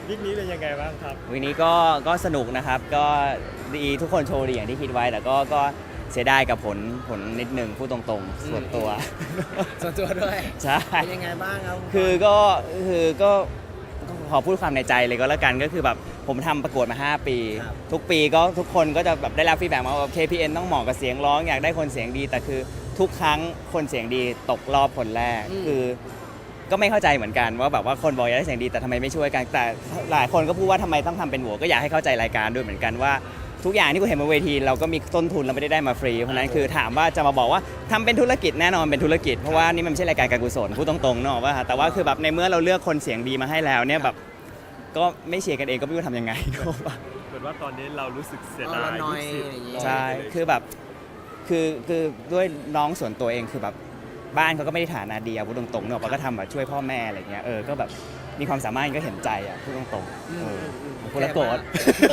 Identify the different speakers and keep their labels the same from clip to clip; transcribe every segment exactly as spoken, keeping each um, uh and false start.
Speaker 1: วิกนี้เป็นยังไงบ้างครับ
Speaker 2: วันนี้ก็ก็สนุกนะครับก็ดีทุกคนโชว์ดีอย่างที่คิดไว้แต่ก็ก็เสียดายกับผลผลนิดหนึ่งพูดตรงๆส่วนตัว
Speaker 3: ส่วนตัวด้วย
Speaker 2: ใช่
Speaker 3: เป็นยังไงบ้างครับ
Speaker 2: คือก็คือก็ขอพูดความในใจเลยก็แล้วกันก็คือแบบผมทำประกวดมาห้าปีทุกปีก็ทุกคนก็จะแบบได้รับฟีดแบ็กมาว่า เค พี เอ็น ต้องเหมาะกับเสียงร้องอยากได้คนเสียงดีแต่คือทุกครั้งคนเสียงดีตกรอบคนแรกคือก็ไม่เข้าใจเหมือนกันว่าแบบว่าคนบอกอยากได้เสียงดีแต่ทำไมไม่ช่วยกันแต่หลายคนก็พูดว่าทำไมต้องทำเป็นโหวก็อยากให้เข้าใจรายการด้วยเหมือนกันว่าทุกอย่างที่คุณเห็นบนเวทีเราก็มีต้นทุนเราไม่ได้ได้มาฟรีเพราะนั้นคือถามว่าจะมาบอกว่าทำเป็นธุรกิจแน่นอนเป็นธุรกิจเพราะว่านี่มันไม่ใช่รายการการกุศลพูดตรงๆเนาะว่าแต่ว่าคือแบบในเมื่อเราเลือกคนเสียงดีมาให้แล้วเนี่ยแบบก็ไม่เชียร์กันเองก็ไม่รู้ทำยังไงเนาะ
Speaker 1: เหมือนว่าตอนนี้เรารู้สึกเสียดาย
Speaker 3: น้อย
Speaker 2: ใช่คือแบบคือคือด้วยน้องส่วนตัวเองคือแบบบ้านเขาก็ไม่ได้ฐานะดีอะพูดตรงๆเนาะก็ทำแบบช่วยพ่อแม่อะไรเงี้ยเออก็แบบมีความสามารถก็เห็นใจอะพูดตรงๆเออพูดแล้วโกรธ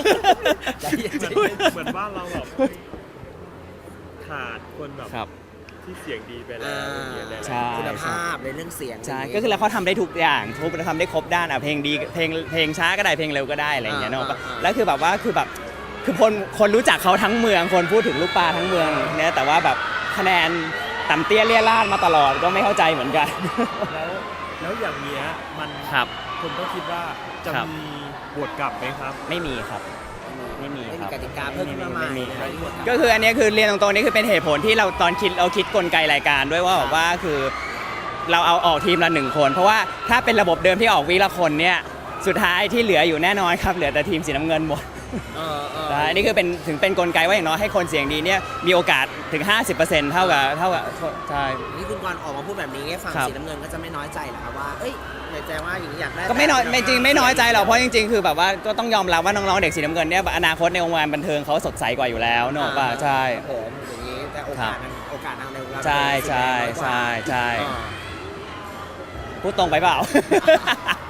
Speaker 1: เหมือนว่าเราแบบขาดคนแบบที่เสียงดีไปแล้วอย่างเงี้ยเลย
Speaker 3: คุณภาพในเรื่องเสียง
Speaker 2: ใช่ก็คือแล้วเขาทำได้ทุกอย่างทุกทำได้ครบด้านอ่ะเพลงดีเพลงเพลงช้าก็ได้เพลงเร็วก็ได้อะไรอย่างเงี้ยเนาะแล้วคือแบบว่าคือแบบคือคนคนรู้จักเขาทั้งเมืองคนพูดถึงลูกปลาทั้งเมืองเนี่ยแต่ว่าแบบคะแนนต่ำเตี้ยเลี่ยราดมาตลอดก็ไม่เข้าใจเหมือนกัน
Speaker 1: แล้วแล้วอย่างเงี้ยมัน
Speaker 2: ครับ
Speaker 1: คนก็คิดว่าจะมีบวชกลับไหมครับ
Speaker 2: ไม่มีครับไม่มี
Speaker 3: ครับกติกาเพิ่มขึ้นมาใหม่
Speaker 2: ก็คืออันนี้คือเรียนตรงๆนี่คือเป็นเหตุผลที่เราตอนคิดเราคิดกลไกรายการด้วยว่าแบบว่าคือเราเอาออกทีมละหนึ่งคนเพราะว่าถ้าเป็นระบบเดิมที่ออกวีละคนเนี่ยสุดท้ายที่เหลืออยู่แน่นอนครับเหลือแต่ทีมสีน้ำเงินหมดอันนี้คือเป็นถึงเป็นกลไกว่าอย่างน้อยให้คนเสียงดีเนี่ยมีโอกาสถึง ห้าสิบเปอร์เซ็นต์ เท่ากับเท่ากับใช่
Speaker 3: นี่คุณกรณ์ออกมาพูดแบบนี้ฝั่งสีน้ำเงินก็จะไม่น้อยใจหรอครับว่าเอ้ยในใจว่าอย่างนี้อยากได้
Speaker 2: ก็ไม่น้อยไม่จริงไม่น้อยใจหรอกเพราะจริงๆคือแบบว่าก็ต้องยอมรับว่าน้องๆเด็กสีน้ำเงินเนี่ยอนาคตในวงการบันเทิงเขาสดใสกว่าอยู่แล้วเนอะป่ะใช่
Speaker 3: ผมอย่างนี้แต่โอกาสโอกาสทางในวงการ
Speaker 2: ใช่ใช่ใช่ใช่พูดตรงไปเปล่า